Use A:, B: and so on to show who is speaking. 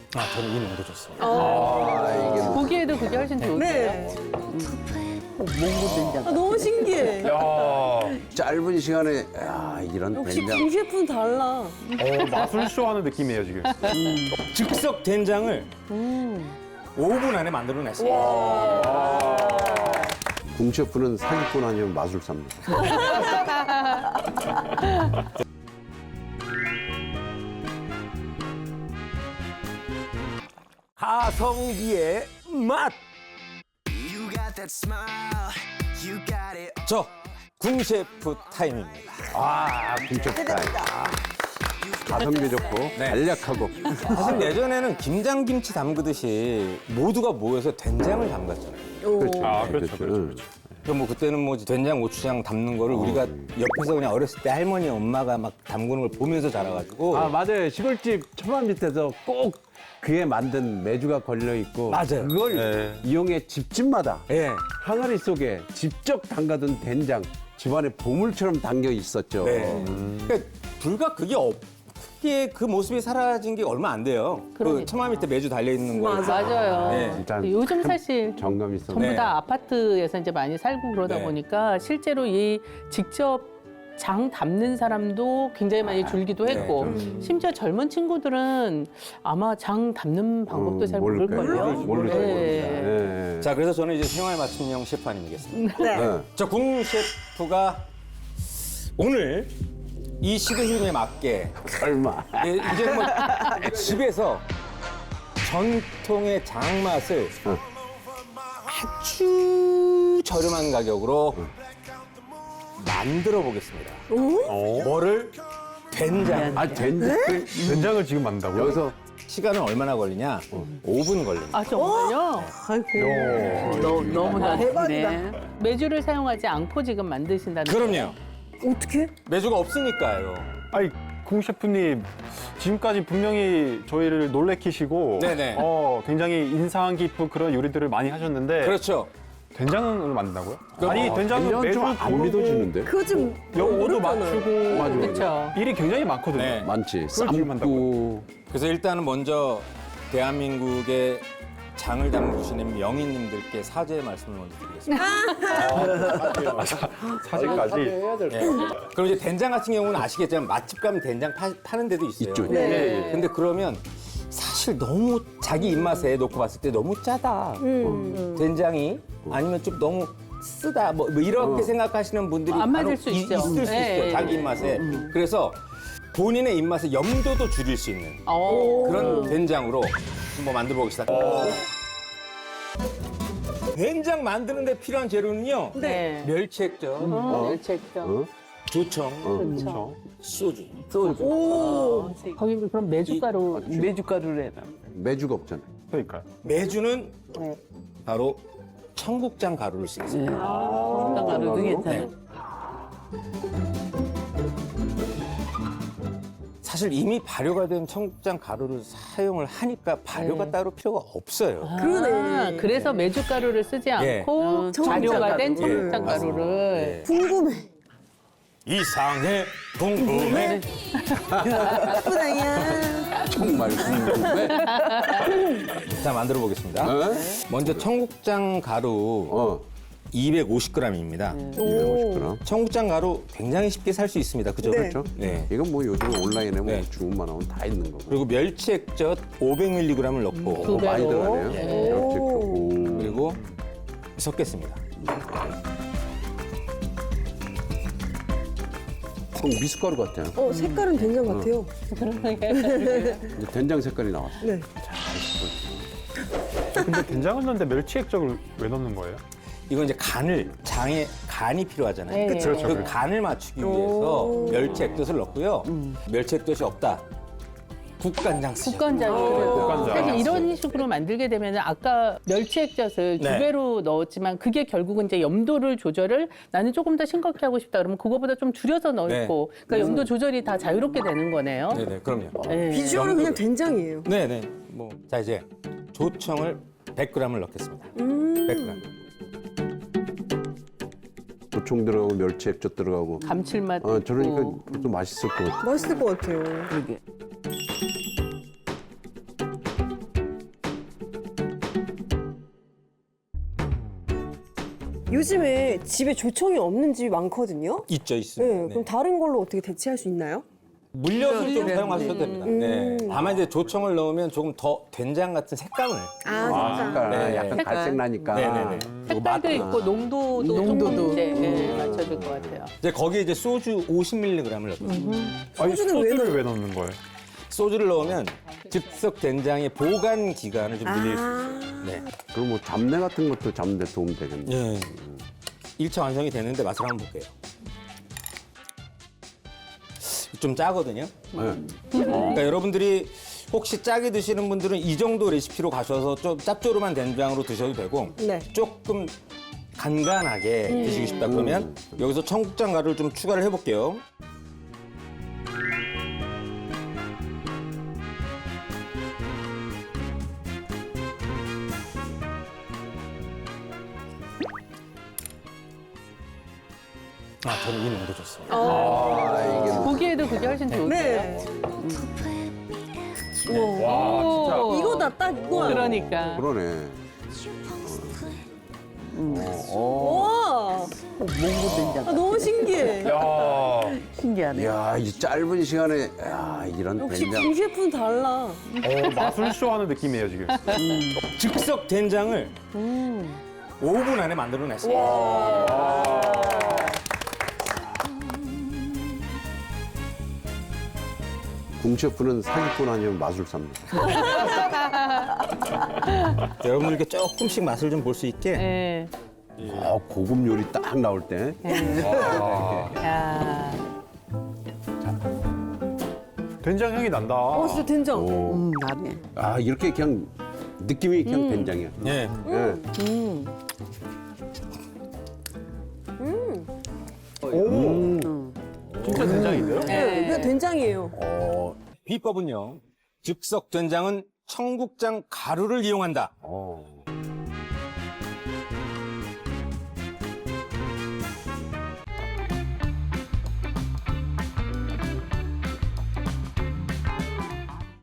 A: 저는 이 농도 좋습니다.
B: 보기에도 그게 훨씬 좋은데요.
C: 네.
B: 몽고 된장.
C: 너무 신기해.
D: 짧은 시간에 이런
C: 역시
D: 된장.
C: 강 셰프는 달라.
A: 마술쇼 하는 느낌이에요, 지금.
E: 즉석 된장을 5분 안에 만들어냈어요.
D: 궁 셰프는 사기꾼 아니면 마술사입니다.
E: 가성비의 맛. 저 궁셰프 타임입니다.
D: 궁 셰프 타임. 가성비 좋고 간략하고.
E: 사실 예전에는 김장김치 담그듯이 모두가 모여서 된장을 담갔잖아요.
D: 그렇죠.
A: 그렇죠.
E: 뭐 그때는 뭐 된장, 고추장 담는 거를 우리가 옆에서 그냥 어렸을 때 할머니, 엄마가 막 담그는 걸 보면서 자라가지고.
D: 맞아요. 시골집 처마 밑에서 꼭 그에 만든 메주가 걸려 있고
E: 맞아요.
D: 그걸 이용해 집집마다
E: 예.
D: 항아리 속에 직접 담가둔 된장 집안에 보물처럼 담겨 있었죠.
E: 네. 그러니까 불과 그게 그 모습이 사라진 게 얼마 안 돼요. 그
B: 그러니까.
E: 처마 밑에 매주 달려 있는 거.
B: 맞아요.
E: 네.
D: 진짜
B: 요즘 사실
D: 정감 있어.
B: 전부
E: 네.
B: 다 아파트에서 이제 많이 살고 그러다
E: 네.
B: 보니까 실제로 이 직접 장 담는 사람도 굉장히 많이 줄기도 했고 심지어 젊은 친구들은 아마 장 담는 방법도 잘 모를걸요.
D: 모를 거예요.
B: 네.
E: 자, 그래서 저는 이제 생활 맞춤형 셰프 아니겠습니까?
D: 네.
E: 저 궁 셰프가 오늘 이 시대 흐름에 맞게
D: 설마.
E: 이제 뭐 집에서 전통의 장맛을 아주 저렴한 가격으로 만들어 보겠습니다. 뭐를? 된장.
D: 된장?
A: 된장을 지금 만든다고요?
D: 여기서
E: 시간은 얼마나 걸리냐? 5분 걸립니다.
B: 아 정말요? 아이고 너무나
C: 대박이다.
B: 메주를 사용하지 않고 지금 만드신다는.
E: 그럼요.
C: 어떻게?
E: 매주가 없으니까요.
A: 아니, 궁 셰프님, 지금까지 분명히 저희를 놀래키시고,
E: 네네.
A: 굉장히 인상 깊은 그런 요리들을 많이 하셨는데,
E: 그렇죠.
A: 된장을 만든다고요? 아니, 된장은
D: 된장
A: 매주
D: 좀안
A: 고르고
D: 믿어지는데?
C: 그거 좀
A: 영어도
C: 어렵잖아요.
A: 맞추고,
D: 맞아.
B: 그렇죠.
A: 일이 굉장히 많거든요.
E: 네.
D: 많지.
A: 그걸 지금
D: 삶고.
E: 그래서 일단은 먼저 대한민국의 장을 담그시는 명인님들께 사죄의 말씀을 먼저 드리겠습니다.
A: 사실까지.
E: 네. 그럼 이제 된장 같은 경우는 아시겠지만 맛집 가면 된장 파는 데도 있어요.
D: 있죠.
C: 네.
E: 근데 그러면 사실 너무 자기 입맛에 놓고 봤을 때 너무 짜다. 된장이 아니면 좀 너무 쓰다. 뭐 이렇게 생각하시는 분들이
B: 안 맞을
E: 간혹
B: 수 있죠.
E: 있을 수
B: 네.
E: 있어요. 자기 입맛에. 그래서 본인의 입맛에 염도도 줄일 수 있는 그런 된장으로 한번 만들어 보겠습니다. 된장 만드는데 필요한 재료는요.
B: 네.
E: 멸치액젓,
B: 멸치액젓.
E: 조청,
B: 그렇죠.
E: 소주.
B: 거기 그럼 메주가루를 해라.
D: 메주가 없잖아요.
A: 그러니까요.
E: 매주는 바로 청국장 가루를 쓰겠습니다.
B: 가루도 괜찮아요.
E: 사실 이미 발효가 된 청국장 가루를 사용을 하니까 발효가 따로 필요가 없어요.
C: 그러네.
B: 그래서 메주가루를 쓰지
E: 예.
B: 않고 발효가 된 청국장 가루를.
C: 궁금해.
E: 이상해 궁금해.
C: 예쁘다야.
D: 정말 궁금해.
E: 자, 만들어 보겠습니다.
D: 어?
E: 먼저 청국장 가루 250g입니다.
D: 250g.
E: 청국장 가루 굉장히 쉽게 살 수 있습니다. 그죠?
C: 네.
D: 그렇죠?
E: 네.
D: 이건 뭐 요즘 온라인에 뭐
E: 네.
D: 주문만 하면 다 있는 거고.
E: 그리고 멸치액젓 500mg을 넣고
B: 두
D: 많이
B: 배로.
D: 들어가네요. 오.
E: 그리고 섞겠습니다.
D: 미숫가루 같아요.
C: 색깔은 된장 같아요.
D: 이제 된장 색깔이 나왔어.
C: 네.
A: 근데 된장을 넣는데 멸치액젓을 왜 넣는 거예요?
E: 이건 이제 장에 간이 필요하잖아요.
B: 네.
A: 그렇죠.
E: 그 간을 맞추기 위해서 멸치액젓을 넣고요. 멸치액젓이 없다. 국간장 쓰죠.
B: 국간장을.
A: 국간장.
B: 사실 이런 식으로 만들게 되면 아까 멸치액젓을 두
E: 네.
B: 배로 넣었지만 그게 결국은 이제 염도를 조절을 나는 조금 더 싱겁게 하고 싶다 그러면 그거보다 좀 줄여서 넣고
E: 네.
B: 그러니까 염도 조절이 다 자유롭게 되는 거네요.
E: 네네, 그럼요.
B: 네.
C: 비주얼은 그냥 된장이에요.
E: 네네. 자, 이제 조청을 100g을 넣겠습니다. 100g.
D: 조청 들어가고 멸치 액젓 들어가고.
B: 감칠맛.
D: 저러니까
B: 있고.
D: 또 맛있을 것 같아.
C: 맛있을 것 같아요. 요즘에 집에 조청이 없는 집이 많거든요.
E: 있죠,
C: 네,
E: 있습니다.
C: 그럼 다른 걸로 어떻게 대체할 수 있나요?
E: 물엿을 좀 사용하셔도 됩니다. 네. 다만 이제 조청을 넣으면 조금 더 된장 같은 색감을.
D: 색깔
E: 네.
D: 약간
B: 색깔.
D: 갈색 나니까.
E: 네네네.
B: 색깔도 있고 농도도
C: 농도도.
B: 조금 이제 맞춰줄 것 같아요.
E: 이제 거기에 이제 소주 50mg을 넣거든요.
A: 아니,
C: 소주는 왜
A: 소주를 왜 넣는 거예요?
E: 소주를 넣으면 즉석 된장의 보관 기간을 좀 늘릴 수 있어요. 네.
D: 그럼 뭐 잡내 같은 것도 잡는 데 도움 되겠네.
E: 예. 1차 완성이 되는데 맛을 한번 볼게요. 좀 짜거든요. 그러니까 여러분들이 혹시 짜게 드시는 분들은 이 정도 레시피로 가셔서 좀 짭조름한 된장으로 드셔도 되고
C: 네.
E: 조금 간간하게 드시고 싶다 그러면 여기서 청국장 가루를 좀 추가를 해볼게요. 저는 이 농도 좋습니다.
B: 보기에도 그게 훨씬 좋은데요.
C: 네.
A: 와, 진짜.
C: 이거다, 딱 이거야.
B: 그러니까.
D: 그러네.
C: 와,
F: 몽고 된장.
C: 너무 신기해.
A: 야,
F: 신기하네.
D: 이야, 이 짧은 시간에 이런
C: 역시
D: 된장.
C: 김 셰프는 달라.
A: 마술쇼 하는 느낌이에요, 지금.
E: 즉석 된장을 5분 안에 만들어냈어요.
D: 궁셰프는 사기꾼 아니면 마술사입니다.
E: 여러분들께 조금씩 맛을 좀 볼 수 있게
B: 네.
D: 고급 요리 딱 나올 때.
B: 야.
A: 된장 향이 난다.
C: 진짜 된장.
F: 나네.
D: 이렇게 그냥 느낌이 그냥 된장이야.
E: 예.
D: 예.
A: 진짜 된장인데요?
C: 네, 그냥 된장이에요.
E: 비법은요. 즉석 된장은 청국장 가루를 이용한다.